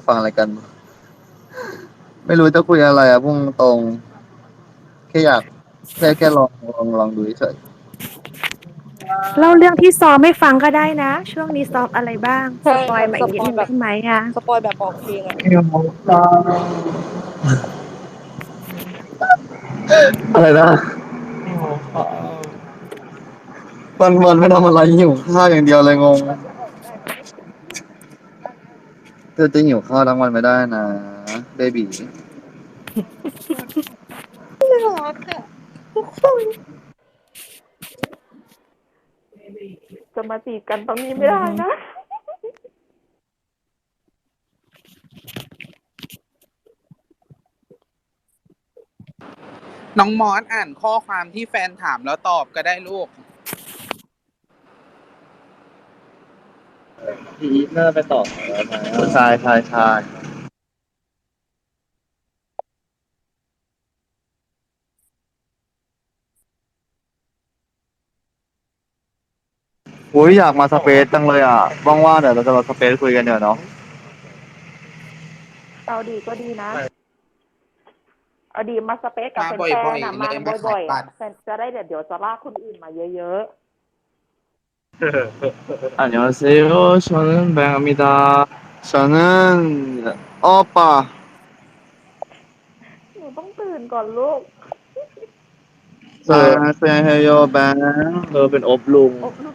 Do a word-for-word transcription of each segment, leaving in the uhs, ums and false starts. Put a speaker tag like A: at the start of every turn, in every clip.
A: ฟังอะไรกันไม่รู้จะคุยอะไรอะพุ่งตรงแค่อยากแค่แค่ลองลองลองดูเฉย
B: เล่าเรื่องที่ซ้อมให้ฟังก็ได้นะช่วงนี้ซ้อมอะไรบ้างส
C: ใช่แบบ
B: ปอยมาอีกนิด
C: สปอยแบบ
B: นึงได้ไหมอ่ะ
C: สปอยแบบบอกเพลงอะ
A: อะไรนะวันวันไม่ทำอะไรหิวข้าวอย่างเดียวเลยงงเธอจะหิวข้าวทั้งวันไม่ได้นะเบบี
C: น่ารักอะทุกคน
B: จะมาจีบกันตรงนี้ไม่ได้นะ
D: น้องมอสอ่านข้อความที่แฟนถามแล้วตอบก็ได้ลูก
A: พี่อีฟน่าไปต่อแล้วนะใช่ใช่ใช่อุ้ยอยากมาสเปซจังเลยอ่ะว่างๆเดี๋ยวเราจะมาสเปซคุยกันเดี๋ยวเนาะ
B: เอาดีก็ดีนะเอาดีมาสเปซกับ
D: มา
B: แฟ
D: บ่อย
B: นๆนะมา
D: ๆเลยมาขา
B: บ่อยๆอ่ะ
D: ยบัตร
B: แฟนจะได้เดี๋ยวเดี๋ยวจะลากคนอื่นมาเยอะ
A: 안녕하세요. 저는 뱅입니다. 저는 오빠.
B: ๆหนูต้องตื่นก่อนลูก
A: 안녕하세요, 뱅. เธอเป็นอบลุง
B: อบลูก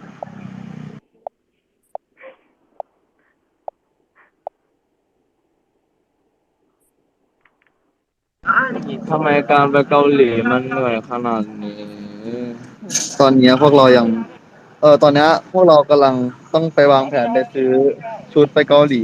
A: ทำไมการไปเกาหลีมันเหนื่อยขนาดนี้ตอนเนี้ยพวกเรายังเออตอนเนี้ยพวกเรากำลังต้องไปวางแผนไปซื้อชุดไปเกาหลี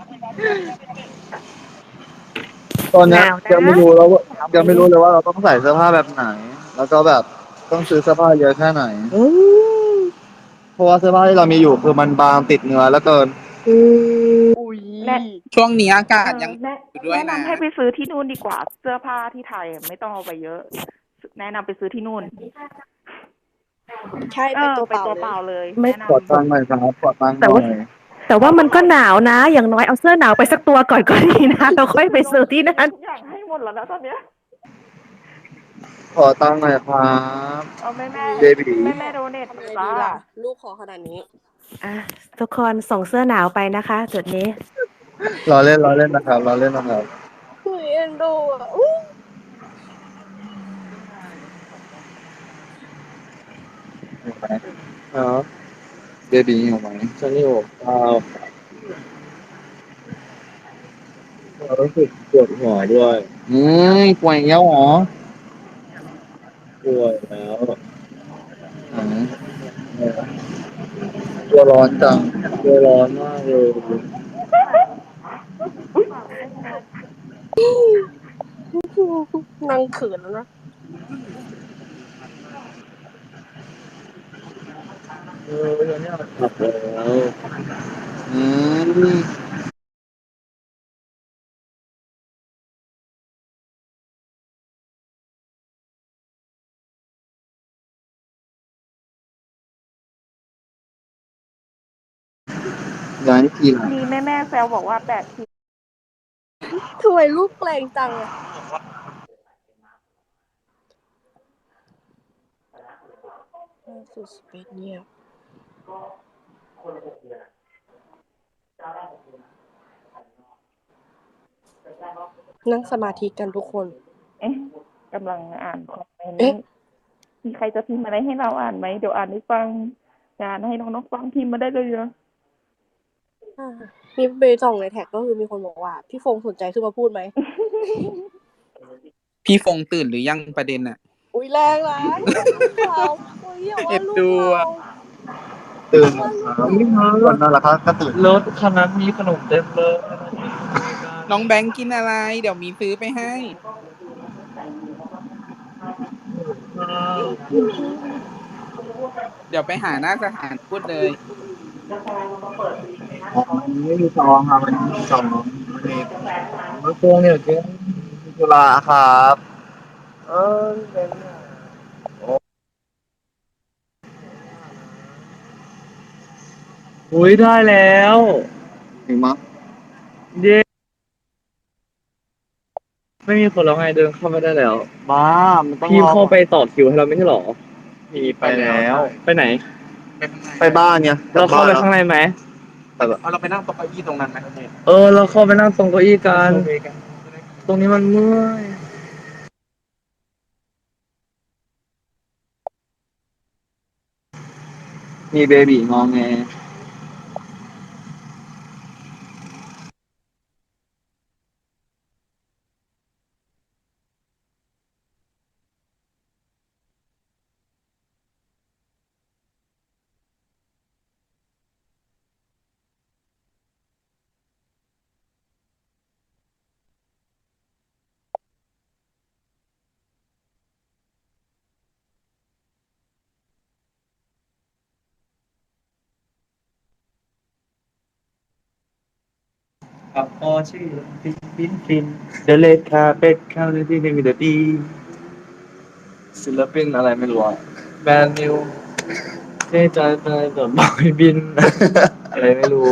A: ตอน
B: ห
A: เนี้ย
B: นาวนะ
A: ยังไม่รู้แล้วว่า
B: หนาวไหม
A: ยังไม่รู้เลยว่าเราต้องใส่เสื้อผ้าแบบไหน แล้วก็แบบต้องซื้อเสื้อผ้าเยอะแค่ไหนเพราะว่าเสื้อผ้าที่เรามีอยู่คือมันบางติดเนื้อแล้วเกิน
C: อุ้ย
B: แนะ
D: ช่วงนี้อากา
B: เออ
D: ศยัง
B: แนะ
D: อยู่ด้วย
B: แนะ
D: นะ
B: นำให้ไปซื้อที่นู่นดีกว่าเสื้อผ้าที่ไทยไม่ต้องเอาไปเยอะ แนะนำไปซื้อที่นู่น
C: ใช่
B: เออ
C: ไปตัว
B: ไป
C: เปล่า
B: ตัว
C: เลย
B: เปล่าเลย
A: ไม่
B: แนะน
A: ขอตังค์หน่อยครับขอตังค์ห
B: ำแต่
A: น่อ
B: ว่า
A: ย
B: แต่ว่ามันก็หนาวนะอย่างน้อยเอาเสื้อหนาวไปสักตัวก่อนก็ดีนะเราค่อยไปซื้อที่นั่นทุกอย่างให้หมดแล้วนะตอนเนี้ย
A: ขอตังค์หน่อยครับ
B: เอาแม่แม่
C: อุ้ย
A: เบบี
B: แม่แม่โดเนท
C: ทำไง
B: จ้า
C: ดีล่ะลูกขอขนาดนี้
B: อ่ะทุกคนส่งเสื้อหนาวไปนะคะจุดนี้
A: รอเล่นรอเล่นนะครับรอเล่นนะครับ
C: อุ้ยเอ็นดูอะอุ้ย
A: หิวไหมอ๋อเบบีหิวไหมฉันหิวข้าวเรารู้สึกปวดหัวด้วยเฮ้ยป่วยอีกแล้วเหรอป่วยแล้วอ๋อตัวร้อนจังตัวร้อนมากเลย
C: นั่งเขินแล้วนะ
A: เออเดี๋ยวนี้กลับแล้วอืมย้ายทีหลัง
B: มีแม่แม่แซวบอกว่าแปดที
C: ทำไมลูกแปลงจังอะล่าสุดสเปซเนี่ยนั่งสมาธิกันทุกคน
B: เอ๊ะกำลังอ่านคอมเมน
C: เอ๊ะ
B: ต์มีใครจะพิมพ์อะไรให้เราอ่านไหมเดี๋ยวอ่านให้ฟังอ่านให้น้องๆฟังพิมพ์มาได้เลยเยอะ
C: อ่ามีไปส่องในแท็กก็คือมีคนบอกว่า พี่ฟงสนใจขึ้นมาพูดไหม
D: พี่ฟงตื่นหรือยังประเด็นอ่ะ
C: อุ้ยแรงนะอย่าว่าลูกเราอุ้ยอย่าว่า
D: เอ็ด
C: ลูก
D: ดู
C: เรา
D: อะ
A: ตื่น
C: ว่าลูก
A: ครับ
C: เรา
A: วันนั้นแหละครับก็ตื่นรถคันนั้นมีขนมเต็มเลย
D: น้องแบงค์กินอะไร เดี๋ยวมีซื้อไปให้ เดี๋ยวไปหาหน้าสถานพูดเลย
A: อ๋อไม่มีซองครับวันนี้ไม่มีซองวันนี้มะพร้าวเนี่ยเจ๊จุฬาครับเออเป็นอุ้ยได้แล้วถึงมั้งเย้ไม่มีคนแล้วไงเดินเข้าไม่ได้แล้วบ้ามันต้องพี่เข้าไปต่อคิวให้เราไม่ใช่หรอพี่ไปแล้วไปไหนไปบ้านเนี่ยเราเข้าไปข้างในไหมเอาเราไปนั่งตรงเก้าอี้ตรงนั้นไหมเออเราเข้าไปนั่งตรงเก้าอี้กันตรงนี้มันเมื่อยมีเบบีงอแงกับพ่อชื่อฟินฟินฟินเดเลคาเป็ดข้าวในที่ในมีเดอดีศิลปินอะไรไม่รู้อะแบรนด์นิวเจ๊ใจไปแบบบอยบิน อะไรไม่รู้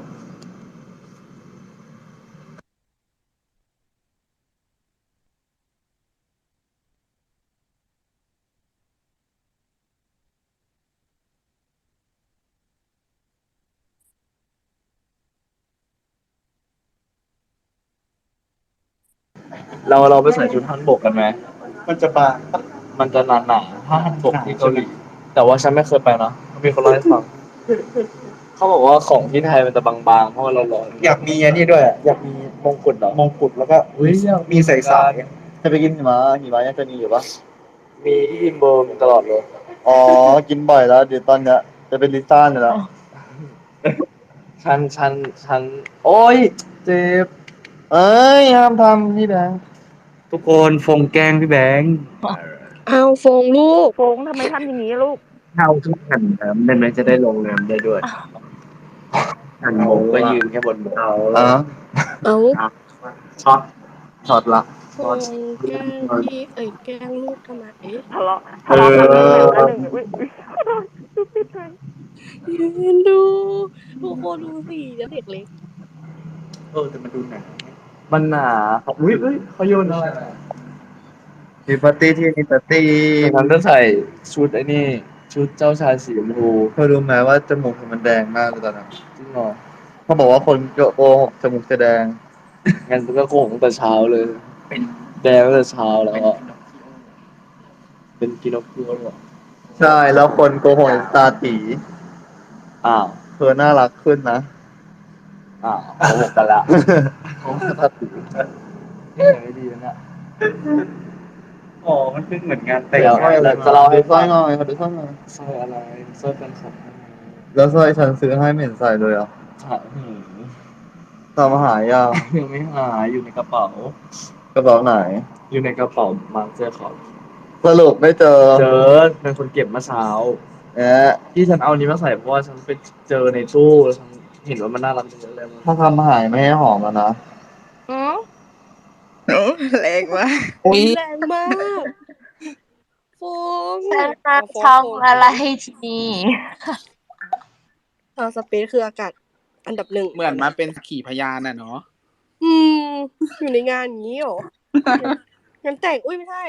A: เราเราไปใส่ชุดฮันบกกันไหมมันจะบางมันจะหนาหนาถ้าฮันบกที่เกาหลีแต่ว่าฉันไม่เคยไปนะมีคนเล่าให้ฟังเขาบอกว่าของที่ไทยมันจะบางๆเพราะว่าเราร้อนอยากมีอันนี้ด้วยอยากมีมงกุฎเหรอมงกุฎแล้วก็มีใส่สายจะไปกินหิมะหิมะยังจะมีอยู่ปะมีที่อิมโบมีตลอดเลยอ๋อกินบ่อยแล้วเดี๋ยวตอนเนี้ยจะเป็นลิซ่าเนี่ยแล้วฉันฉันฉันโอ้ยเจ็บเอ้ยห้ามทำพี่แบงค์ทุกคนฟงแกล้งพี่แบงค์
C: เอาโฟงลูก
B: โฟงทำไมทำอย่างนี้ลูก
A: เข้าทุกหันน้ำได้ไหมจะได้ลงน้ำได้ด้วยหันโมงก็ยืนแค่บนเอาแล้ว
C: เอา
A: ช็อตช็อตละ
C: โฟงแกล้งพี่เอ้ยแกล้งลูกทำไม
B: ทะเลาะทะเลาะกันหนึ่งเร็วแล้วหนึ่งอุ้ยอุ้ยปิดไป
C: ยืนดูทุกคนดูสิเด็กเล็ก
A: เออแต่มันดูหนามันหนาอุ้ยอุ้ยเขาโยนอะไรมีปาร์ตี้ที่มีปาร์ตี้ฉันจะใส่ชุดไอ้นี่ชุดเจ้าชายสีชมพูเธอรู้ไหมว่าจมูกมันแดงมากเลยตอนนั้นจริงเหรอเขาบอกว่าคนโกหกจมูกจะแดงงั้นก็โกหกตั้งแต่เช้าเลยเป็นแดงตั้งแต่เช้าแล้วอะเป็นกินอคิโอหรอใช่แล้วคนโกหกตาตีอ้าวเธอน่ารักขึ้นนะอ้าวโกหกกันละโกหกตาตีนี่ไม่ดีนะเนี่ยอ๋อมันเป็นเหมือนงานแต่งสร้อยอะไรจะเล่าให้ฟังสร้อยงอยเขาดูสร้อยงอยสร้อยอะไรสร้อยเป็นของแล้วสร้อยฉันซื้อให้ไม่เห็นใส่เลยอ่ะหาหืมตามมาหายยังยังไม่หายอยู่ในกระเป๋ากระเป๋าไหน อยู่ในกระเป๋ามาเจอของสรุปไม่เจอเจอเป็นคนเก็บเมื่อเช้าแอะที่ฉันเอานี้มาใส่เพราะว่าฉันไปเจอในตู้แล้วฉันเห็นว่ามันน่ารักจังเลยถ้าทำหายไม่ให้หอมแล้วนะ
B: อืม
E: แรงมาก
C: อุ๊ยแรงมากโฟง
E: ฉันมา
C: เอาโฟง
E: ช่อง
C: โฟง
E: อะไรทีนี้
C: เอาสเปซคืออากาศอันดับหนึ่ง
D: เหมือนมาเป็นสักขีพยานน่ะเนาะ
C: อืม อยู่ในงานอย่างนี้เหรอ งานแต่งอุ้ยไม่ใช่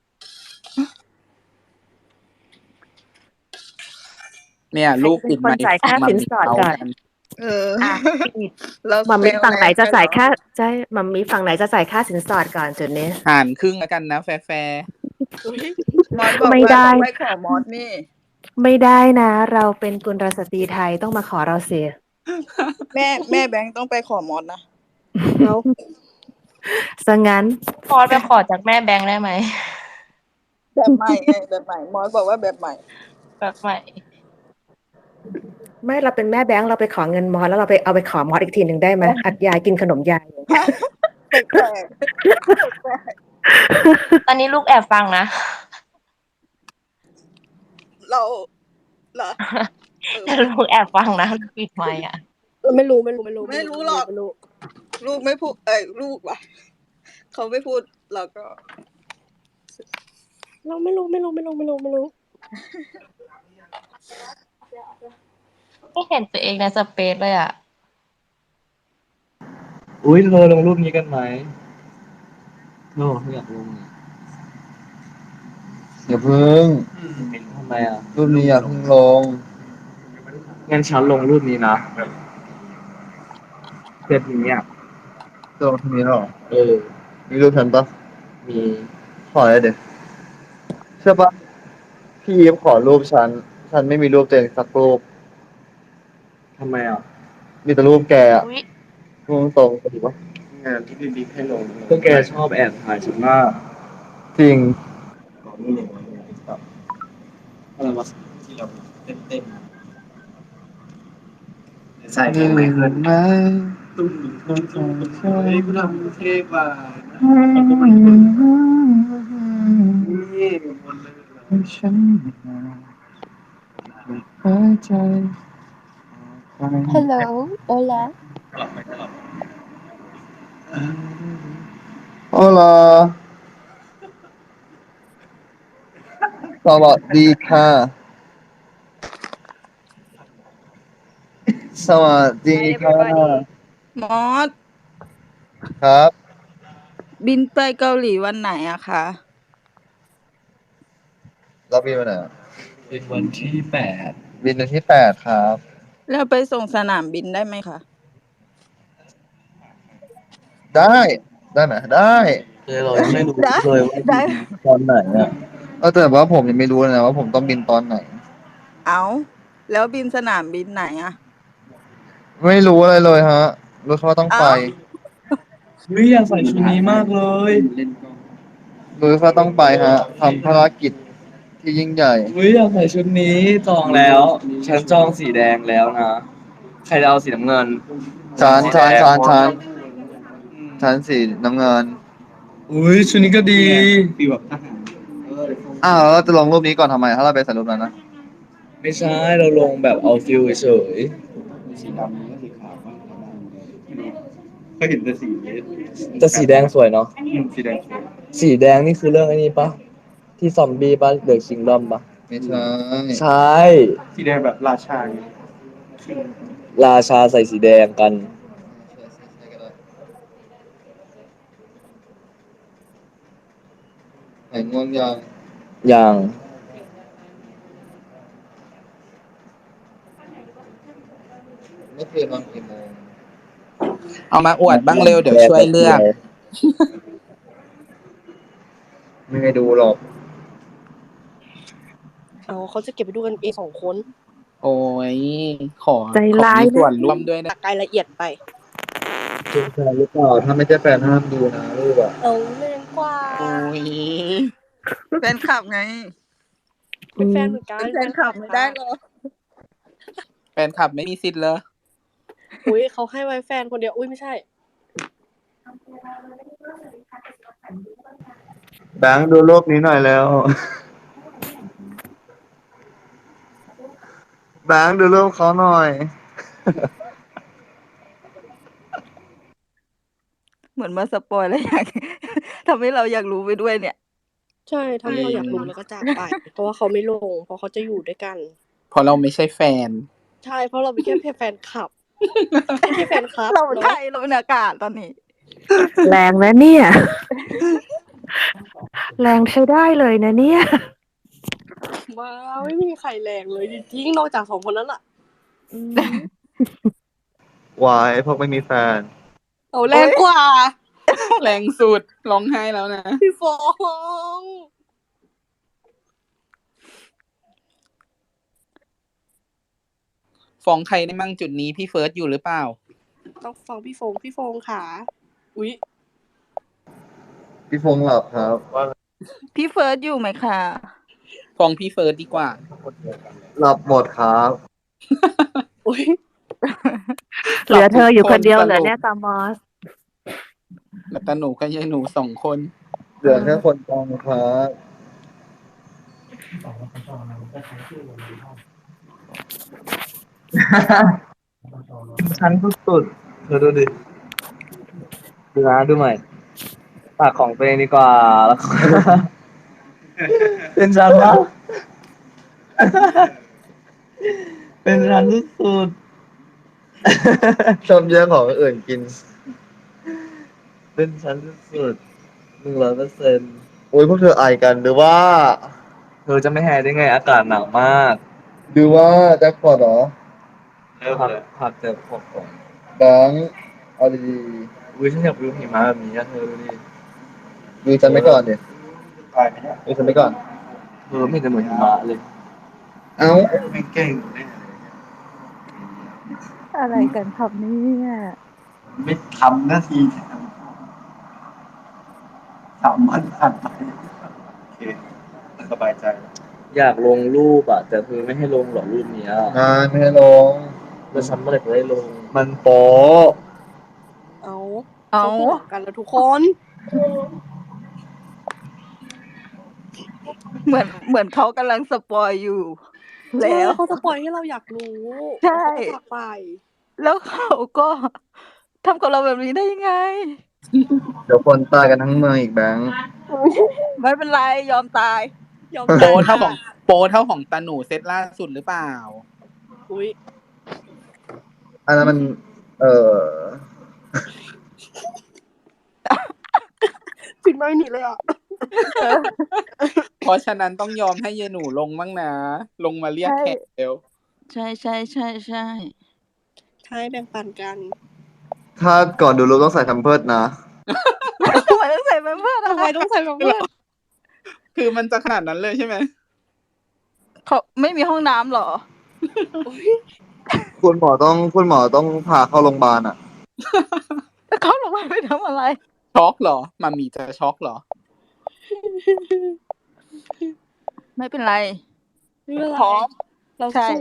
D: เนี่ยลูกปิดไมค์
B: จ่ายค่าสินสอดก่อน
E: เออ
B: อ่ะ
E: เรา
B: มัมมี่ฝั่งไหนจะจ่ายค่า
E: แซวแรง
B: ใช่มัมมี่ฝั่งไหนจะจ่ายค่าสินสอดก่อนจุดนี้
D: หารครึ่งแล้วกันนะแฟร์แฟร์
C: อุ๊ย
E: มอสบอก
B: ไม่
E: ว่า
B: ได้
E: ต้องไปขอมอสนี่
B: ไม่ได้นะ เราเป็นกุลสตรีไทยต้องมาขอเราเสีย
E: แม่แม่แบงค์ต้องไปขอมอสนะ
C: เอา
B: ซะงั้น
F: มอสไปขอจากแม่แบงค์ได้ไหม
E: แบบใหม่ไงแบบใหม่ มอสบอกว่าแบบใหม่
F: แบบใหม่
B: ไม่เราเป็นแม่แบงค์เราไปขอเงินมอสแล้วเราไปเอาไปขอมอสอีกทีหนึ่งได้ไหมอัดยายกินขนมยาย
E: แปลก
F: ตอนนี้ลูกแอบฟังนะ
E: ๆเราเหรอ
F: แต่ลูกแอบฟังนะลูกปิดไมค์อ่ะ
C: ไม่รู้ไม่รู้ไม่รู้
E: ไม่รู้หรอก
C: ไม่รู้
E: ลูกไม่พูด เอ้ยลูกว่ะเขาไม่พูดเราก็
C: เราไม่รู้ไม่รู้ไม่รู้ไม่รู้ไม่รู้
F: ไม่เห็นตัวเองในสเปซเลยอ่ะ
A: อุ้ยเธอลงรูปนี้กันไหมเธโน่อยากลงอย่าเพิ่งทำไมอ่ะรูปนี้อย่าเพิ่งลงงั้นฉันลงรูปนี้นะเซตนี้อ่ะจะลงทีนี้หรอเออมีรูปฉันปะมีขอเลยเดี๋ยวใช่ปะพี่ยิปขอรูปฉันฉันไม่มีรูปตัวเองสักรูปทำไมอ่ะมีแต่รูปแกอ่ะ
F: อุ๊ย
A: ตรงตรงๆถือว่างานที่พี่บิ๊กให้ลงก็แกชอบแอบถ่ายฉันมากจริงอะไรวะที่เราเต้นเต้นใส่เพลงไม่เคยไหมตุ้มตุ้มตุ้มตุ้มเฮ้ยกูทำเท่กว่ามันก็มันคนนี่มันเลยฉันหัวใจ
C: Hello Hola
A: โอลาสวัสดีค่ะ สวัสดี
E: Hi
A: ค่ะ
E: everybody
D: มอส
A: ครับ
D: บินไปเกาหลีวันไหนอะคะ
A: รับบินวันไหนอะบินวันที่แปดบินวันที่แปดครับ
D: แล้วไปส่งสนามบินได้ไหมคะ
A: ได้ได้ไหมได้เลยเรายังไม่รู้
D: ได้
A: เลยว่า
D: ได้
A: บินตอนไหนอ่ะเออแต่ว่าผมยังไม่รู้เลยนะว่าผมต้องบินตอนไหน
D: เอาแล้วบินสนามบินไหนอะ
A: ไม่รู้อะไรเลยฮะรู้แค่ว่าต้องไป
D: เอ้า
A: วิอยากใส่ชุดนี้มากเลยรู้แค่ว่าต้องไปฮะทำภารกิจที่ยิ่งใหญ่วิอยากใส่ชุดนี้จองแล้ว ฉันจองสีแดงแล้วนะ ใครจะเอาสีน้ำเงินชานชานชานชานชานสีน้ำเงินอุ้ยชุดนี้ก็ดีฟีลแบบทหารอ้าวแล้วเราจะลงรูปนี้ก่อนทำไม ถ้าเราไปใส่รูปนั้นนะ ไม่ใช่ เราลงแบบเอาฟิลเฉยสีดำกับสีขาวก็เห็นแต่สีแต่สีแดงสวยเนาะสีแดงสวยสีแดงนี่คือเรื่องไอ้นี้ปะที่ซอมบี้ปะเดอะคิงดอมปะไม่ใช่ใช่สีแดงแบบราชาราชาใส่สีแดงกันไหนง่วงยังยังไม่เคยนอนกี่โมง
D: เอามาอวดบ้างเร็วเดี๋ยวช่วยเลือก
A: ไม่ให้ดูหรอก
C: เอาเขาจะเก็บไปดูกันเองสองคน
D: โอ้ย ขอ
B: ใจ
D: ขอ
B: ร้าย
D: มีส่วน
B: นะ
D: ร่วมด้วยนะ
C: รายละเอียดไป
A: เป็นแฟนหรือเปล่าถ้าไม่ใช่แฟนห้ามดูนะรูปอะ
C: เอาแรงกว่า
D: โอ้ยแฟนคลับไง
C: เป็นแฟนเหมือนกัน
D: เป็นแฟนคลับไม่ได้หรอ แฟนคลับไม่มีสิทธิ์เลย
C: อุ้ยเขาให้ไว้แฟนคนเดียวอุ้ยไม่ใช่
A: แบงค์ดูรูปนี้หน่อยแล้วแบงค์ดูรูปเขาหน่อย
D: เหมือนมาสปอยแล้วอยาก ทำให้เราอยากรู้ไปด้วยเนี่ย
C: ใช่ทำให้เราอยากรู้แล้วก็จากไป เพราะว่าเขาไม่ลง เพราะเขาจะอยู่ด้วยกัน
D: เพราะเราไม่ใช่แฟน
C: ใช่เพราะเราเป็นแค่แฟนคลับไม่ใช่แฟนคลับ
D: เรา
C: เนอะ
D: ใช่เราเป็นอากาศตอนนี้
B: แรงนะเนี่ย แรงใช้ได้เลยนะเนี่ย
C: ว้าวไม่มีใครแรงเลยจริงๆนอกจากสองคนนั้นอะ
A: วายพวกไม่มีแฟน
C: เอาแรงกว่า
D: แรงสุดร้องไห้แล้วนะ
C: พี่ฟอง
D: ฟ้องใครได้มั่งจุดนี้พี่เฟิร์สอยู่หรือเปล่า
C: ต้องฟังพี่ฟงพี่ฟงค่ะอุ๊ย
A: พี่ฟงหลับครับว่า
D: พี่เฟิร์สอยู่ไหมคะฟ้องพี่เฟิร์สดีกว่า
A: หลับหมดครับ
C: อุ๊ย
B: เหลือเธออยู่คนเดียวเหรอเนี่ยตามอส
D: แล้วแต่หนูก็ยายหนูสองคน
A: เหลือแค่คนกลางครับ ชั้นสุดๆเธอดูดิดูนะดูใหม่ปากของตัวเองดีกว่าแล้ว เป็นชั้นละเป็นชั้นสุดๆชอบแย่งของคนอื่นกิน เป็นชั้นสุดๆหนึ่งร้อยเปอร์เซ็นต์โอ้ยพวกเธอไอกันหรือว่า เธอจะไม่แฮได้ไงอากาศหนาวมากหรือว่าแจ็คพอตเหรอเริ่มเลยผัดแจ็คพอตก่อนแบงค์เอาดีๆอุ้ยฉันอยากวิวหิมะแบบนี้อะเธอดูดิดูฉันไม่ก่อนดิไปไหมเนี่ยดูฉันไม่ก่อนเออไม่เห็นจะเหมือนหิมะเลย เอ้าไม่เก่งแน่
D: อะไรกันครับเนี่ย
A: ไม่ทำหน้าที่สามวันผ่านไปโอเคสบายใจ อยากลงรูปอ่ะ แต่คือไม่ให้ลงหรอกรูปเนี้ยงานไม่ให้ลงแล้วฉันเมื่อไหร่จะได้ลง มันโป๊ะ
C: เอา
D: เอา
C: เขาพูดกันแล้วทุกคน
D: เหมือนเหมือนเขากำลังสปอยอยู่ แล้ว
C: เขาจะปล่อยให้เราอยากรู้
D: ใช่
C: เขาก็จากไป
D: แล้วเขาก็ทำกับเราแบบนี้ได้ยังไง
A: เดี๋ยวคนตายกันทั้งเมืองอีกแบงค์
D: ไม่เป็นไรยอมตาย
C: ยอม
G: โปรเท่าของโปรเท่าของตาหนูเซตล่าสุดหรือเปล่า
C: อุ้ย
A: อันนั้นมัน เออ
C: ปิดไม่หนีเลยอ่ะ
G: เพราะฉะนั้นต้องยอมให้เยหนูลงบ้างนะ ลงมาเรียกแขกเร็ว
D: ใช่ใช่ใช่ใช่
C: ใช่แบ่งปันกัน
A: ถ้าก่อนดูรูปต้องใส่แพมเพิร์สนะ
D: ทำไมต้องใส่แพมเพิร์ส
C: ทำไมต้องใส่แบบเพื่อน
G: คือมันจะขนาดนั้นเลยใช่ไหม
D: เขาไม่มีห้องน้ำเหรอ
A: คุณหมอต้องคุณหมอต้องพาเข้าโรงพยาบาลอ่ะ
D: แล้วเขาลงมาไปทำอะไร
G: ช็อกเหรอมามีจะช็อกเหรอ
D: ไม่เป็นไร
C: ไม่เป็นไร
D: พร้อม
C: เรา
D: ใช่
C: สู้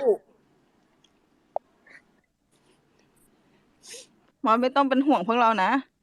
D: หมอไม่ต้องเป็นห่วงพวกเรานะ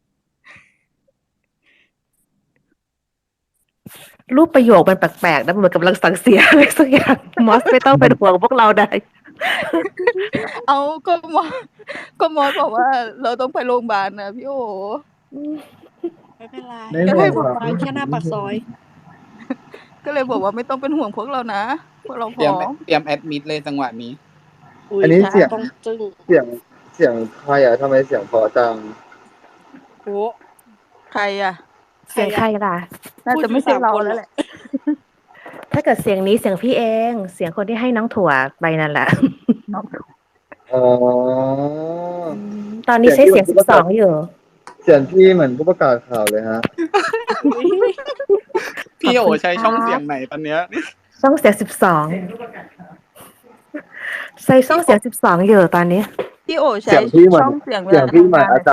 B: รูปประโยคมันแปลกๆนะเหมือนกำลังสั่งเสียอะไรสักอย่างมอสไม่ต้องเป็นห่วงพวกเราได้
D: เอาก็หมอก็หมอบอกว่า เราต้องไปโรงพยาบาลนะพี่โอ
C: ไม่เป็นไร
A: ไม่
C: ก็
A: ห่วง
C: ให้บ
A: ห
C: อก
A: รอก
C: ไปแค่หน้าปากซอย
D: ก็เลยบอกว่าไม่ต้องเป็นห่วงพวกเรานะพวกเราพ
G: เตรีย
D: ร้
G: ม
D: อม
G: เตรียมแอดมิดเลยจังหวะนี้
C: อุ้ย
A: อันนี้เสียง
C: ต้องจึ้ง
A: เสียงเสียงใครอ่ะทำไมเสียงเพอจัง
C: โอ้
D: ใครอ่ะ
B: เสียงใครล่ะ
D: น่าจะไม่ใช่เราแล้วแหละ
B: ถ้าเกิดเสียงนี้เสียงพี่เอง เสียงคนที่ให้น้องถั่วไปนั่นแหละ
A: อ๋อ
B: ตอนนี้ใช้เสียงสิบสองอยู่
A: เสียงพี่เหมือนผู้ประกาศข่าวเลยฮะ
G: พี่โอ
B: ขอบคุณ
G: ใช้ช่อง
B: ครับ
G: เสียงไหนตอนเนี้ย
B: ช่องเสียงสิบสองใช้ช่องเสียงสิบสองอยู่ตอนนี้
D: พี่โอใช้
A: เสียงพี่เหมือน
D: ช่องเสียงเว
A: เสีย
D: ลาง
A: พี่
D: ทำ
A: เหมือน
D: งาน
A: อาจารย์